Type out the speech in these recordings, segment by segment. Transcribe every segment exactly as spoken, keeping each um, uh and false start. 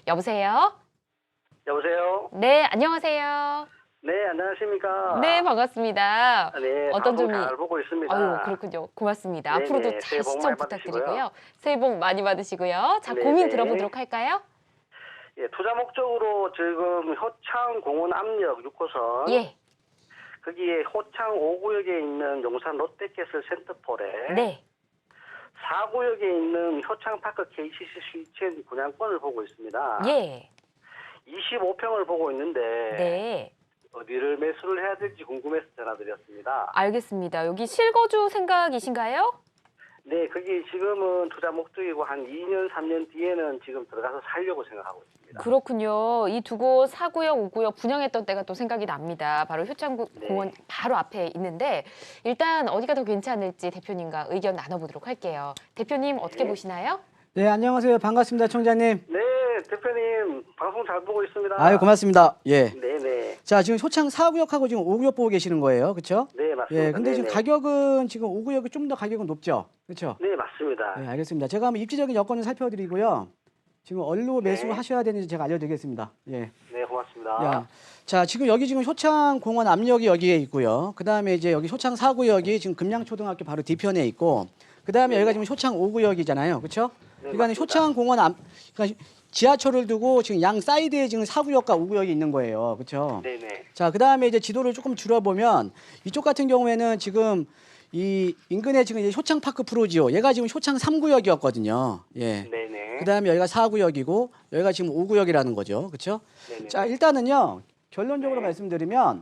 여보세요? 여보세요? 네, 안녕하세요. 네, 안녕하십니까? 네, 반갑습니다. 아, 네, 어떤 방송 점이 잘 보고 있습니다. 아유, 그렇군요. 고맙습니다. 앞으로도 네네, 새해 잘 복 시청 많이 받으시고요. 부탁드리고요. 새해 복 많이 받으시고요. 자, 고민 네네. 들어보도록 할까요? 예, 투자 목적으로 지금 효창 공원 압력 육 호선 예. 거기에 호창 오 구역에 있는 용산 롯데캐슬 센터폴에 네. 사 구역에 있는 효창파크 케이씨씨 스위첸 분양권을 보고 있습니다. 예. 이십오 평을 보고 있는데 네. 어디를 매수를 해야 될지 궁금해서 전화드렸습니다. 알겠습니다. 여기 실거주 생각이신가요? 네, 거기 지금은 투자 목적이고 한 이 년, 삼 년 뒤에는 지금 들어가서 살려고 생각하고 있습니다. 그렇군요. 이 두 곳 사 구역, 오 구역 분양했던 때가 또 생각이 납니다. 바로 효창공원 네. 바로 앞에 있는데 일단 어디가 더 괜찮을지 대표님과 의견 나눠보도록 할게요. 대표님 어떻게 네. 보시나요? 네, 안녕하세요. 반갑습니다, 총장님. 네, 대표님 방송 잘 보고 있습니다. 아유, 고맙습니다. 예. 네네. 자, 지금 효창 사 구역하고 지금 오 구역 보고 계시는 거예요. 그렇죠? 네, 맞습니다. 예, 근데 지금 네네. 가격은 지금 오 구역이 좀 더 가격은 높죠? 그렇죠? 네, 맞습니다. 네, 알겠습니다. 제가 한번 입지적인 여건을 살펴드리고요. 지금 얼로 네. 매수하셔야 되는지 제가 알려드리겠습니다. 예. 네, 고맙습니다. 야, 자, 지금 여기 지금 효창 공원 압력이 여기에 있고요. 그 다음에 이제 여기 효창 사 구역이 지금 금양초등학교 바로 뒤편에 있고, 그 다음에 네. 여기가 지금 효창 오 구역이잖아요. 그렇죠? 네, 그러니까 맞습니다. 효창 공원 앞, 그러니까 지하철을 두고 지금 양 사이드에 지금 사 구역과 오 구역이 있는 거예요. 그렇죠? 네네. 자, 그 다음에 이제 지도를 조금 줄여보면 이쪽 같은 경우에는 지금 이 인근에 지금 이제 효창파크 프로지오, 얘가 지금 효창 삼 구역이었거든요. 예. 네네. 그 다음에 여기가 사 구역이고 여기가 지금 오 구역이라는 거죠. 그렇죠? 네네. 자, 일단은요. 결론적으로 네. 말씀드리면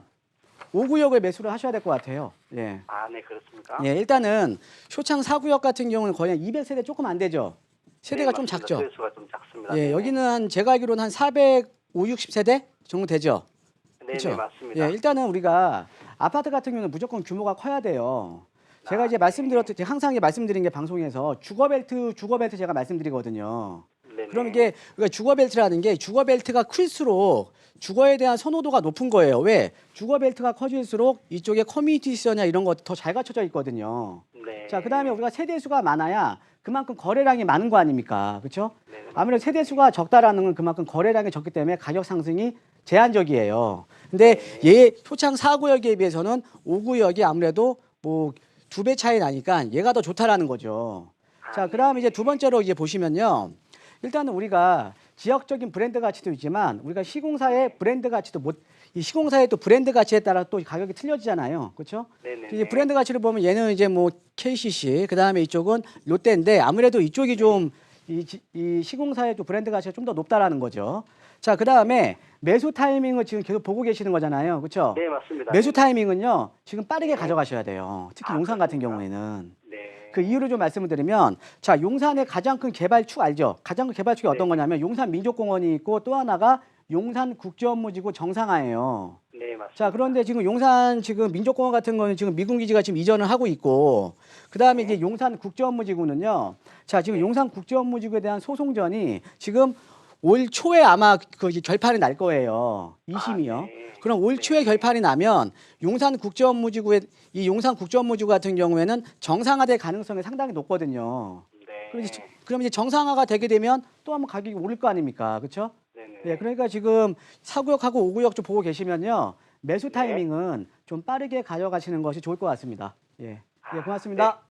오 구역을 매수를 하셔야 될 것 같아요. 예. 아, 네, 그렇습니까? 예, 일단은 효창 사 구역 같은 경우는 거의 한 이백 세대 조금 안 되죠. 세대가 네, 좀 맞습니다. 작죠. 세수가 좀 작습니다. 예, 네네. 여기는 한 제가 알기로는 한 사백오십, 육십 세대 정도 되죠. 네네, 그렇죠? 맞습니다. 예, 일단은 우리가 아파트 같은 경우는 무조건 규모가 커야 돼요. 제가 아, 이제 네. 말씀드렸듯이 항상 말씀드린 게 방송에서 주거벨트, 주거벨트 제가 말씀드리거든요. 네네. 그럼 이게 우리가 주거벨트라는 게 주거벨트가 클수록 주거에 대한 선호도가 높은 거예요. 왜? 주거벨트가 커질수록 이쪽에 커뮤니티 시설이나 이런 것 더 잘 갖춰져 있거든요. 네. 자, 그다음에 우리가 세대 수가 많아야 그만큼 거래량이 많은 거 아닙니까? 그렇죠? 네네. 아무래도 세대 수가 적다라는 건 그만큼 거래량이 적기 때문에 가격 상승이 제한적이에요. 근데 얘 효창 사 구역에 비해서는 오 구역이 아무래도 뭐 두 배 차이 나니까 얘가 더 좋다라는 거죠. 자, 그다음에 이제 두 번째로 이제 보시면요. 일단은 우리가 지역적인 브랜드 가치도 있지만 우리가 시공사의 브랜드 가치도 못, 이 시공사의 또 브랜드 가치에 따라 또 가격이 틀려지잖아요. 그렇죠? 네네. 이제 브랜드 가치를 보면 얘는 이제 뭐 케이씨씨, 그다음에 이쪽은 롯데인데 아무래도 이쪽이 좀 이 이 시공사의 또 브랜드 가치가 좀 더 높다라는 거죠. 자, 그다음에 매수 타이밍을 지금 계속 보고 계시는 거잖아요. 그렇죠? 네, 맞습니다. 매수 네네. 타이밍은요. 지금 빠르게 가져가셔야 돼요. 특히 아, 용산 같은 그렇습니까? 경우에는. 네. 그 이유를 좀 말씀을 드리면 자, 용산의 가장 큰 개발축 알죠? 가장 큰 개발축이 어떤 네. 거냐면 용산 민족공원이 있고 또 하나가 용산 국제업무지구 정상화예요. 네, 맞습니다. 자, 그런데 지금 용산 지금 민족공원 같은 거는 지금 미군 기지가 지금 이전을 하고 있고 그다음에 이제 용산 국제업무지구는요. 자, 지금 용산 국제업무지구에 대한 소송전이 지금 올 초에 아마 그 결판이 날 거예요. 이 심이요. 아, 네. 그럼 올 초에 네. 결판이 나면 용산 국제업무지구에 이 용산 국제업무지구 같은 경우에는 정상화될 가능성이 상당히 높거든요. 네. 그럼 이제, 그럼 이제 정상화가 되게 되면 또 한번 가격이 오를 거 아닙니까? 그렇죠? 네네. 예, 그러니까 지금 사 구역하고 오 구역 좀 보고 계시면요. 매수 네. 타이밍은 좀 빠르게 가져가시는 것이 좋을 것 같습니다. 예. 예, 아, 고맙습니다. 네.